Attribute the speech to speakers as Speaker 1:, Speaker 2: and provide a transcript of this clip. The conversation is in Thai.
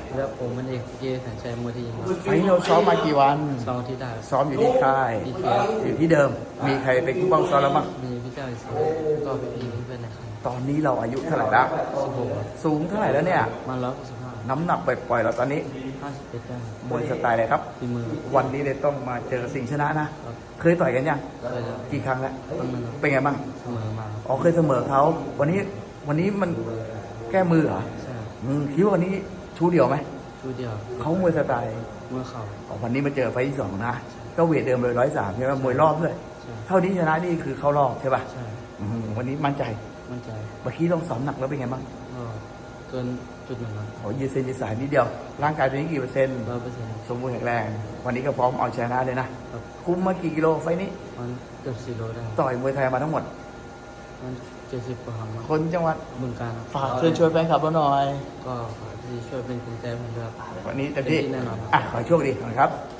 Speaker 1: แล้วผมมันเอกเจสัญชัยมวยที่ยิมครับ
Speaker 2: ไฟท์เราซ้อมมากี่วัน
Speaker 1: 2 อาทิตย์ได้
Speaker 2: ซ้อมอยู่ที่ค่าย
Speaker 1: ที่เฟียส
Speaker 2: อยู่ที่เดิม มีใครเป็นผู้บังซ้อมแล้วบ้าง
Speaker 1: มีพี่เจ้าอีกสองก็พี่เพื่อนนะครับ
Speaker 2: ตอนนี้เราอายุเท่าไหร่ละ
Speaker 1: 16
Speaker 2: สูงเท่าไหร่แล้วเนี่ย
Speaker 1: มา165
Speaker 2: น้ำหนักปล่อยๆเราตอนนี้
Speaker 1: 51ได้
Speaker 2: มวยสไตล์อะไรครับ
Speaker 1: ฝีมือ
Speaker 2: วันนี้เลยต้องมาเจอสิงห์ชนะนะ
Speaker 1: ครับ
Speaker 2: เคยต่อยกันยัง
Speaker 1: เคยจะ
Speaker 2: กี่ครั้งแล้ว
Speaker 1: ต้องมัน
Speaker 2: เป็นไงบ้าง
Speaker 1: เสมอมา
Speaker 2: อ๋อเคยเสมอเขาวันนี้มันแก้มือเหรอ
Speaker 1: ใช่
Speaker 2: คิดว่าวันนี้ชูเดียวไหม
Speaker 1: ชูเดียว
Speaker 2: เขามวยสไตล์
Speaker 1: เมื่อเข่า
Speaker 2: อ๋อวันนี้มาเจอไฟท์ที่สองนะ ก็เวทเดิมเลย103ใช่ไหมมวยรอบด้วย
Speaker 1: ใช่
Speaker 2: เท่านี้ชนะนี่คือเข้ารอบใช่ป่ะ
Speaker 1: ใช่
Speaker 2: วันนี้มั่นใจ
Speaker 1: มั่นใจ
Speaker 2: เมื่อกี้ต้องซ้อมหนักแล้วเป็นไงบ้าง
Speaker 1: ก็เกินจุดหนึ่งครับ
Speaker 2: โอ้ยืดเส้นยืดสายนิดเดียว ร่างกายตัวนี้กี่เปอร์เซ็นต์
Speaker 1: 100%
Speaker 2: สมบูรณ์แข็งแรง วันนี้ก็พร้อมเอาชนะเลยนะ
Speaker 1: ครับ
Speaker 2: คุ้มมากี่กิโลไฟท์นี้
Speaker 1: มันเกือบ4 โลได้ครับ
Speaker 2: ต่อยมวยไทยมาทั้งหมด
Speaker 1: มัน70 กว่าครั้งครับ
Speaker 2: คนจังหวัด
Speaker 1: บึงการครับ
Speaker 2: ฝากเชิญชวนแฟนคลับเราหน่อย
Speaker 1: ก็ขอที่ช่วยเป็นกำลังใจให้ผมด้วยครับ
Speaker 2: วันนี้เต็มที่
Speaker 1: แน่นอนครับ
Speaker 2: ขอให้โชคดีนะครับ